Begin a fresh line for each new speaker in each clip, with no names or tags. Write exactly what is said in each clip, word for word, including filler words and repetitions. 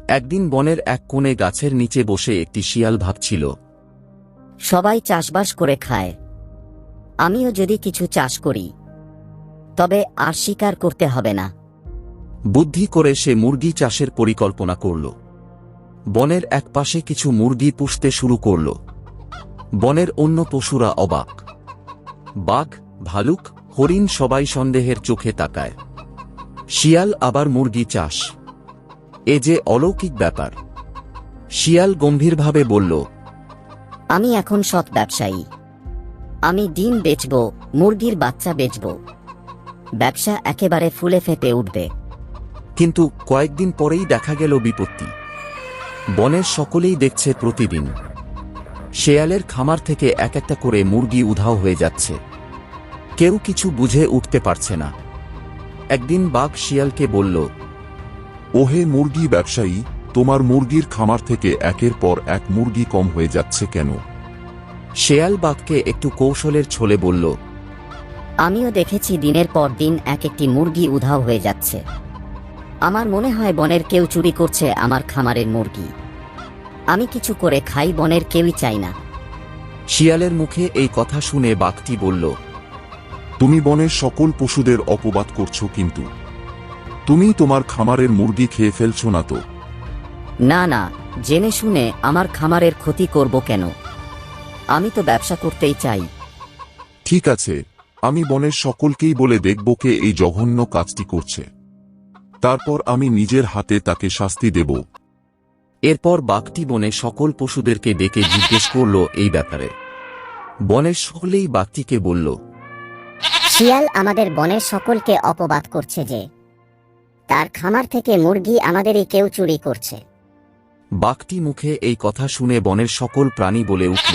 একদিন বনের এক কোণে গাছের নিচে বসে একটি শিয়াল ভাবছিল,
সবাই চাষবাস করে খায়, আমিও যদি কিছু চাষ করি তবে আর শিকার করতে হবে না।
বুদ্ধি করে সে মুরগি চাষের পরিকল্পনা করল। বনের একপাশে কিছু মুরগি পুষতে শুরু করল। বনের অন্য পশুরা অবাক। বাঘ, ভালুক, হরিণ সবাই সন্দেহের চোখে তাকায়। শিয়াল আবার মুরগি চাষ, এ যে অলৌকিক ব্যাপার। শিয়াল গম্ভীরভাবে বলল,
আমি এখন সৎ ব্যবসায়ী, আমি ডিম বেচব, মুরগির বাচ্চা বেচব, ব্যবসা একেবারে ফুলে ফেঁপে উঠবে।
কিন্তু কয়েকদিন পরেই দেখা গেল বিপত্তি। বনের সকলেই দেখছে প্রতিদিন শেয়ালের খামার থেকে এক একটা করে মুরগি উধাও হয়ে যাচ্ছে। কেউ কিছু বুঝে উঠতে পারছে না। একদিন বাঘ শিয়ালকে বলল,
ওহে মুরগি ব্যবসায়ী, তোমার মুরগির খামার থেকে একের পর এক মুরগি কম হয়ে যাচ্ছে কেন?
শেয়াল বাঘকে একটু কৌশলের ছলে বলল,
আমিও দেখেছি দিনের পর দিন এক একটি মুরগি উধাও হয়ে যাচ্ছে। আমার মনে হয় বনের কেউ চুরি করছে আমার খামারের মুরগি। আমি কিছু করে খাই, বনের কেউই চাই না।
শিয়ালের মুখে এই কথা শুনে বাঘটি বলল,
তুমি বনের সকল পশুদের অপবাদ করছো, কিন্তু তুমি তোমার খামারের মুরগি খেয়ে ফেলছো না তো?
না না, জেনে শুনে আমার খামারের ক্ষতি করব কেন? আমি তো ব্যবসা করতেই চাই।
ঠিক আছে, আমি বনের সকলকেই বলে দেখব কে এই জঘন্য কাজটি করছে। তারপর আমি নিজের হাতে তাকে শাস্তি দেব।
এরপর বাঘটি বনে সকল পশুদেরকে ডেকে জিজ্ঞেস করল এই ব্যাপারে। বনের সকলেই বাঘটিকে বলল,
শিয়াল আমাদের বনের সকলকে অপবাদ করছে যে তার খামার থেকে মুরগি আমাদেরই কেউ চুরি করছে।
বাঘটি মুখে এই কথা শুনে বনের সকল প্রাণী বলে উঠল,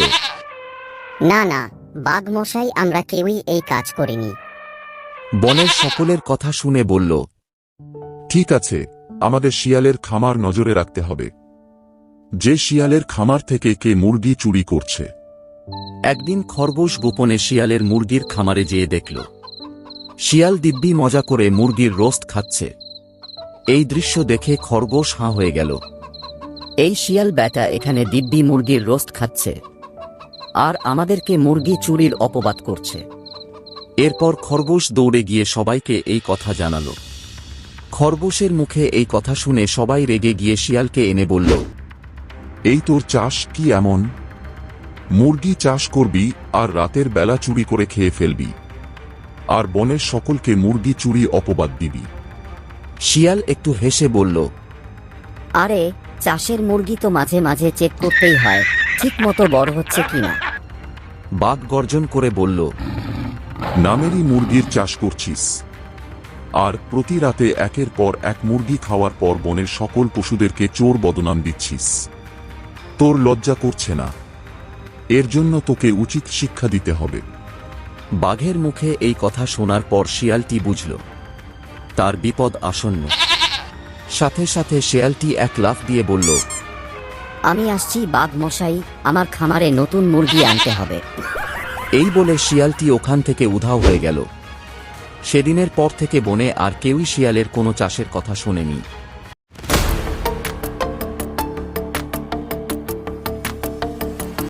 না না, বাঘ মশাই, আমরা কেউই এই কাজ করিনি।
বনের সকলের কথা শুনে বলল,
ঠিক আছে, আমাদের শিয়ালের খামার নজরে রাখতে হবে। যে শিয়ালের খামার থেকে কে মুরগি চুরি করছে।
একদিন খরগোশ গোপনে শিয়ালের মুরগির খামারে যেয়ে দেখল শিয়াল দিব্যি মজা করে মুরগির রোস্ট খাচ্ছে। এই দৃশ্য দেখে খরগোশ হাঁ হয়ে গেল।
এই শিয়াল ব্যাটা এখানে দিব্যি মুরগির রোস্ট খাচ্ছে, আর আমাদেরকে মুরগি চুরির অপবাদ করছে।
এরপর খরগোশ দৌড়ে গিয়ে সবাইকে এই কথা জানাল। খরগোশের মুখে এই কথা শুনে সবাই রেগে গিয়ে শিয়ালকে এনে বলল,
এই তোর চাষ কি এমন? মুরগি চাষ করবি আর রাতের বেলা চুরি করে খেয়ে ফেলবি, আর বনের সকলকে মুরগি চুরি অপবাদ দিবি।
শিয়াল একটু হেসে বলল,
আরে, চাষের মুরগি তো মাঝে মাঝে চেক করতেই হয় ঠিক মতো বড় হচ্ছে কিনা।
বাঘ গর্জন করে বলল,
নামেরই মুরগির চাষ করছিস, আর প্রতি রাতে একের পর এক মুরগি খাওয়ার পর বনের সকল পশুদেরকে চোর বদনাম দিচ্ছিস। তোর লজ্জা করছে না? এর জন্য তোকে উচিত শিক্ষা দিতে হবে।
বাঘের মুখে এই কথা শোনার পর শিয়ালটি বুঝল তার বিপদ আসন্ন। সাথে সাথে শিয়ালটি এক লাফ দিয়ে বলল,
আমি আসছি বাঘ মশাই, আমার খামারে নতুন মুরগি আনতে হবে।
এই বলে শিয়ালটি ওখান থেকে উধাও হয়ে গেল। সেদিনের পর থেকে বনে আর কেউই শিয়ালের কোনো চাষের কথা শোনেনি।